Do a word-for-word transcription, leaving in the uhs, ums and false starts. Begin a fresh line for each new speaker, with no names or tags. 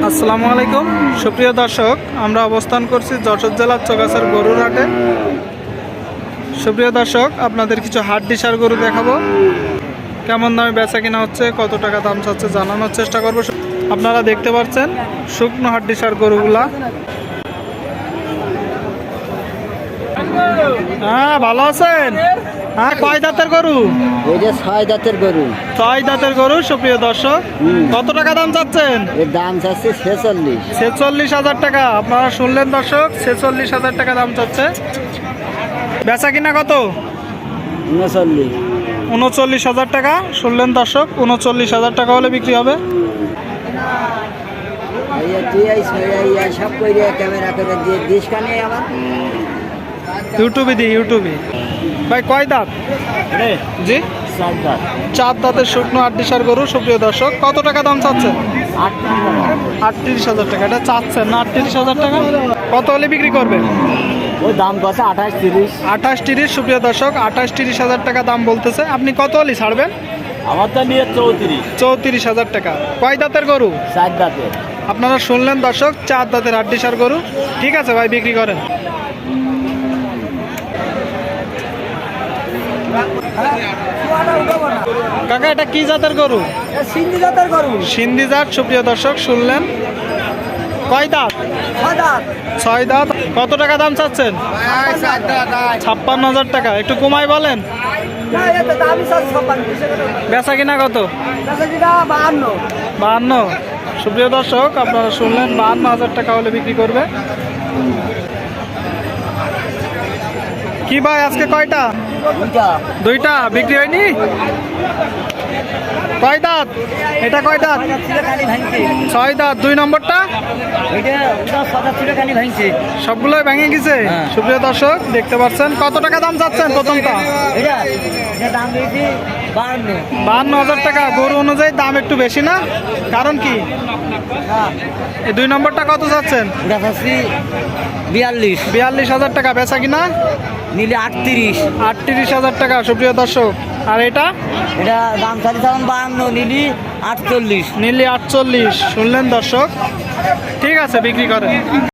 আসসালামু আলাইকুম সুপ্রিয় দর্শক, আমরা অবস্থান করছি যশোর জেলার চৌগাছার গরুর হাটে। সুপ্রিয় দর্শক, আপনাদের কিছু হাট ডিসার গরু দেখাবো, কেমন দামে বেচা কিনা হচ্ছে, কত টাকা দাম চাচ্ছে জানানোর চেষ্টা করব। আপনারা দেখতে পাচ্ছেন শুকনো হাট ডিসার গরুগুলা। হ্যাঁ, ভালো আছেন? হ্যাঁ, কয় দাঁতের গরু?
এটা ছয় দাঁতের গরু।
ছয় দাঁতের গরু। সুপ্রিয় দর্শক, কত টাকা দাম চাচ্ছেন?
এর দাম চাচ্ছে ছেচল্লিশ
ছেচল্লিশ হাজার টাকা। আপনারা শুনলেন দর্শক, ছেচল্লিশ হাজার টাকা দাম চাচ্ছে। বেচা কিনা কত?
উনচল্লিশ
উনচল্লিশ হাজার টাকা। শুনলেন দর্শক, উনচল্লিশ হাজার টাকা হলে বিক্রি হবে।
তুই এই এই সব করে ক্যামেরা করে দিয়ে দিস কানে আমার
ইউটিউবে দিই, ইউটিউবে। ভাই কয় দাঁত? জি,
চার দাঁত।
চার দাঁতের শুকনো আটডিসার গরু। সুপ্রিয় দর্শক, কত টাকা দাম চাচ্ছেন? আটত্রিশ হাজার টাকা। এটা চাচ্ছেন না আটত্রিশ হাজার টাকা? কত হলে বিক্রি করবেন?
ওই দাম কত? আঠাশ তিরিশ।
আঠাশ তিরিশ। সুপ্রিয় দর্শক, আঠাশ তিরিশ হাজার টাকা দাম বলতেছে। আপনি কত হলে ছাড়বেন?
আমার তো নিয়ে চৌত্রিশ
চৌত্রিশ হাজার টাকা। কয় দাঁতের গরু?
চার দাঁতের।
আপনারা শুনলেন দর্শক, চার দাঁতের আটডিসার গরু। ঠিক আছে ভাই, বিক্রি করেন। কাকা, এটা কি জাতের গরু?
সিন্ধি জাতের গরু।
সিন্ধি জাত। সুপ্রিয় দর্শক, শুনলেন। কয় দাঁত? ছয় দাঁত। কত টাকা দাম চাচ্ছেন? ছাপ্পান্ন হাজার টাকা। একটু কমাই বলেন। বেচা কিনা কত? বাহান্ন। সুপ্রিয় দর্শক, আপনারা শুনলেন, বাহান্ন হাজার টাকা হলে বিক্রি করবে। কি ভাই, আজকে কয়টা? দুইটা। বিক্রি হয়নি? কয় দাঁত? এটা কয় দাঁত? ছয় দাঁত। দুই নম্বরটা? সবগুলোই ভেঙে গেছে। সুপ্রিয় দর্শক, দেখতে পাচ্ছেন। কত টাকা দাম চাচ্ছেন প্রথমটা? বাহান্ন হাজার টাকা। গরু অনুযায়ী দাম একটু বেশি না? কারণ কি? এই দুই নম্বরটা কত চাচ্ছেন?
বিয়াল্লিশ
বিয়াল্লিশ হাজার টাকা। বেচা কিনা?
নিলে আটত্রিশ
আটত্রিশ হাজার টাকা। সুপ্রিয় দর্শক, আর এটা?
এটা দাম চালিয়ে বাহান্ন, নিলি আটচল্লিশ।
নিলি আটচল্লিশ। শুনলেন দর্শক, ঠিক আছে, বিক্রি করেন।